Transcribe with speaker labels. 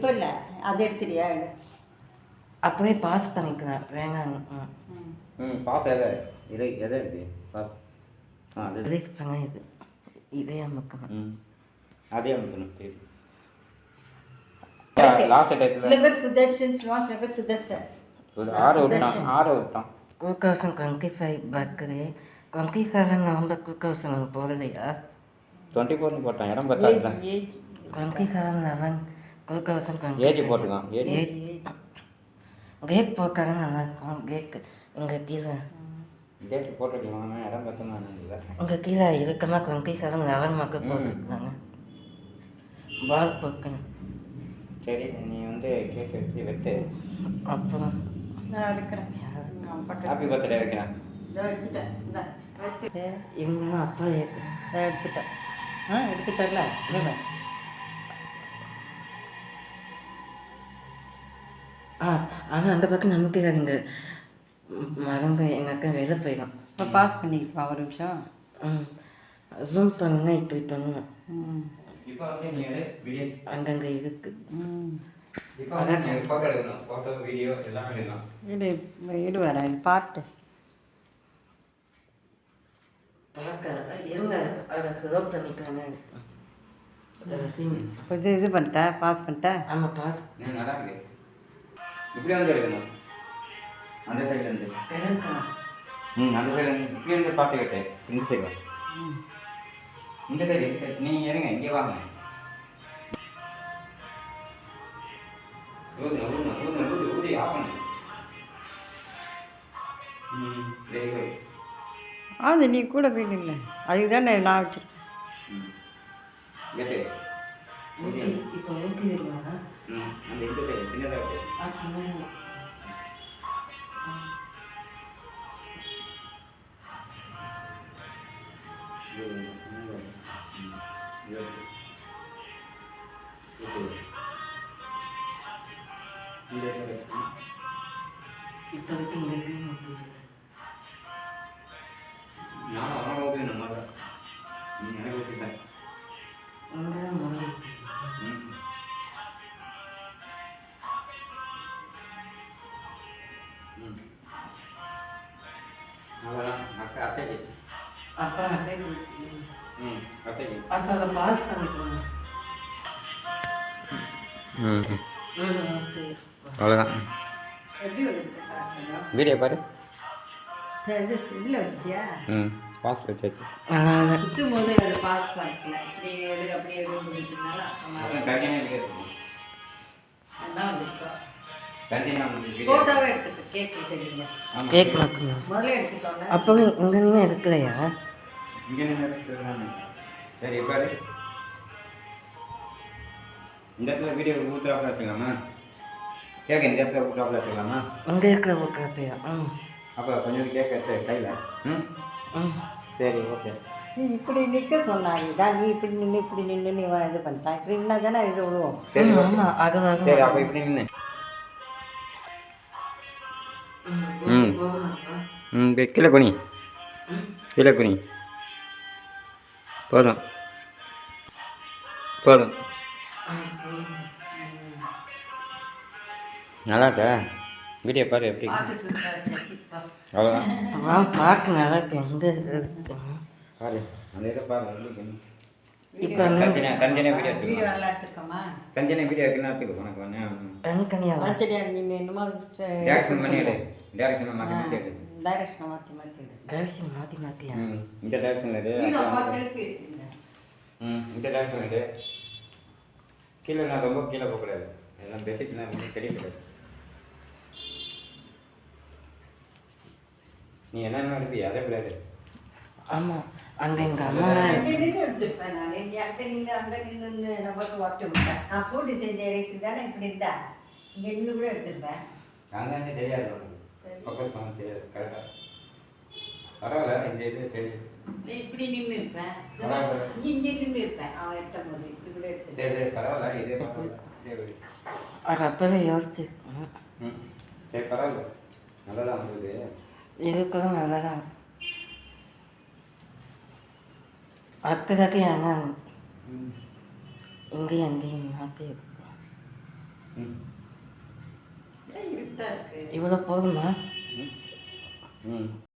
Speaker 1: இப்போ இல்லை, அதை எடுத்துறியா?
Speaker 2: அப்படியே பாஸ் பண்ணிக்கலாம். வேணாம்.
Speaker 3: பாஸ் எதை இருக்குது பாஸ்? அது
Speaker 2: ரிலீஸ் பண்ண இதே அமுக்கணும்.
Speaker 3: அதே அமுக்கணும். லாஸ்ட் டைத்தில்
Speaker 1: சில பேர் சுதர்ஷன் சொல்லுவாங்க, சில பேர் சுதர்ஷன்.
Speaker 3: 6 விட்டான்.
Speaker 2: 2025 பர்த்டே 27 November 2000 போகலையா?
Speaker 3: 24 போட்டான். இடம் பார்த்தா
Speaker 2: 27/11 2020
Speaker 3: ஏஜ் போட்டுக்கான்.
Speaker 2: கேக் போட்டாலும் நல்லா இருக்கும். கேக் எங்கள் கீழே
Speaker 3: டேட் போட்டுக்கலாம். இடம் பார்த்தோம்னா இல்லை.
Speaker 2: உங்கள் கீழே இருக்கமாக 27/11 மக்கள் போட்டுருக்காங்க. பால் போக்கணும்.
Speaker 3: சரி, நீ வந்து கேக் வச்சு வெட்டு.
Speaker 2: அப்புறம்
Speaker 1: நான் எடுக்கிறேன்.
Speaker 3: ஹாப்பி பர்த்டே வைக்கிறேன்.
Speaker 1: இதை வச்சுட்டேன். இந்த
Speaker 2: இன்னும் அப்பா ஏற்கிறேன்.
Speaker 1: இதை எடுத்துட்டேன். எடுத்துட்டல. இல்லை
Speaker 2: ஆனால் அந்த பக்கம் நமக்கு இந்த மறந்து எங்கள் அக்கா வெளில போயிடும்.
Speaker 1: இப்போ பாஸ் பண்ணிக்கிப்பா ஒரு நிமிஷம்.
Speaker 2: ஜூம் பண்ணுங்க. இப்படி பண்ணுவேன்.
Speaker 3: இப்போ வந்து நீ வீடியோ
Speaker 2: அங்கங்கே இருக்கு.
Speaker 3: இப்போ வந்து ஃபோட்டோ எடுக்கணும். ஃபோட்டோ வீடியோ எல்லாமே எடுக்கலாம்.
Speaker 1: இது வர பாட்டு
Speaker 2: இருங்க, அதை க்ளோஸ் பண்ணிக்கலான்னு.
Speaker 1: இப்போ இது பண்ணிட்டேன், பாஸ் பண்ணிட்டேன்.
Speaker 2: ஆமாம், பாஸ்.
Speaker 3: நல்லா இருக்கு. இப்படி வந்து எடுக்கணும். அந்த சைட்லேருந்து அந்த சைடு இப்படி இருந்து பார்த்து கேட்டேன். இந்த சைடு இந்த சைடு நீ இருங்க, இங்கே வாங்க. ஊதி ஆஃப் பண்ணு. Very good.
Speaker 1: அது நீ கூட போய் இல்லை, அதுக்கு தானே நான் வச்சுருக்கேன்.
Speaker 3: கேட்டு
Speaker 2: இப்போ ஓகே வருவாங்க.
Speaker 3: அந்த இந்த சைடு சின்னதாக இருக்கு.
Speaker 2: சின்ன இப்போதைக்கு இங்கே
Speaker 3: நான் அவன் ஓகே நம்ம நீ எனக்கு ஓகேதான். அவ்வளோதான். அத்தைக்கு
Speaker 2: அப்பா
Speaker 3: அத்தைக்கு
Speaker 2: அப்போ அதை பாஸ் பண்ணிக்கணும்.
Speaker 3: அவ்வளோதான்.
Speaker 1: எப்படி வருது
Speaker 3: வீடியோ பாரு.
Speaker 1: இது இல்லை வச்சியா?
Speaker 3: பாஸ் வச்சாச்சு.
Speaker 1: சுற்றும் போது அது பாஸ் பண்ணிக்கலாம். இப்படி எடு அப்படி எடுன்னு சொல்லிட்டுனால ஃபோட்டோவே எடுத்துக்க. கேக் எடுத்துக்கீங்க.
Speaker 2: கேக் பார்க்கணும்.
Speaker 1: முதல்ல எடுத்துக்கோங்க.
Speaker 2: அப்போ இங்கே நீங்கள் இருக்கலையா?
Speaker 3: இங்கே சரி பாரு. இந்த இடத்துல வீடியோ ஊற்றுறாப்புல வச்சுக்கலாமா? கேட்க இந்த இடத்துல ஊற்றுறாப்புல வச்சுக்கலாமா?
Speaker 2: அங்கே இருக்கிற ஊற்றுறாப்பையா?
Speaker 3: அப்போ கொஞ்சம் கேட்க எடுத்து கையில். சரி, ஓகே.
Speaker 1: நீ இப்படி நிற்க சொன்னாங்க தான். நீ இப்படி நின்று இப்படி நின்று நீ இது பண்ணிட்டான். இப்படி நின்னா தானே இது விழுவோம்.
Speaker 3: சரி,
Speaker 2: ஆமாம். அது
Speaker 3: சரி, அப்போ இப்படி நின்று கீழே குனி. கீழே குனி. போதும் போதும். நல்லா இருக்கா? வீடியோ பாரு எப்படி. அவ்வளோதான்.
Speaker 2: பாட்டு நல்லா இருக்கு. எங்கே இருக்கு
Speaker 3: பாரு, அந்த இதை பாரு.
Speaker 2: இப்போ
Speaker 3: தனித்தனியாக வீடியோ
Speaker 1: வீடியோ நல்லா எடுத்துருக்கோமா?
Speaker 3: தனித்தனியாக வீடியோ இருக்குன்னு எடுத்துக்கோ. உனக்கு ஒன்று
Speaker 2: தனித்தனியாக
Speaker 1: தனித்தனியாக நீ என்னமோ
Speaker 3: டேரக்ஷன் பண்ணி எடு. டேரக்ஷனை மாற்றி மாற்றி எடு.
Speaker 1: டைரக்ஷனை மாற்றி மாற்றி எடு.
Speaker 2: டைரக்ஷன் மாற்றி மாற்றியா?
Speaker 3: இந்த டேரக்ஷன் எடு. இந்த டேரக்ஷன் எடு. கீழே நான் ரொம்ப கீழே போகக்கூடாது. எல்லாம் பேசிக்கலாம். எனக்கு தெரியக்கூடாது. நீ என்னென்ன எடுப்பியா அதே பிள்ளையாது.
Speaker 2: ஆமாம், அங்கே எங்கள் அம்மா
Speaker 1: எடுத்துருப்பேன். நான் நின்று அந்த நின்று நமக்கு ஒட்டு விட்டேன். நான் பூட்டி செஞ்ச இறைக்கு தானே இப்படி இருந்தா இங்கே நின்று கூட எடுத்துருப்பேன்.
Speaker 3: நாங்கள் தெரியாது உனக்கு. ஃபோக்கஸ் பண்ண தெரியாது. கரெக்டாக பரவாயில்ல. இந்த இது தெரியும்.
Speaker 1: இப்படி நின்று இருப்பேன். இங்கே நின்று இருப்பேன். அவன் எட்டும் போது இப்படி கூட எடுத்து.
Speaker 3: சரி, பரவாயில்ல. இதே பரவாயில்ல.
Speaker 2: அது அப்போவே யோசிச்சு.
Speaker 3: சரி, பரவாயில்ல. நல்லதான் வந்தது.
Speaker 2: இதுக்கும் நல்லா தான் அக்கறைக்கு ஆனால் இங்கேயும் அங்கேயும் மாற்றி
Speaker 3: ம்
Speaker 1: இருட்டா இருக்கு.
Speaker 2: இவ்வளோ போதுமா?
Speaker 3: ம்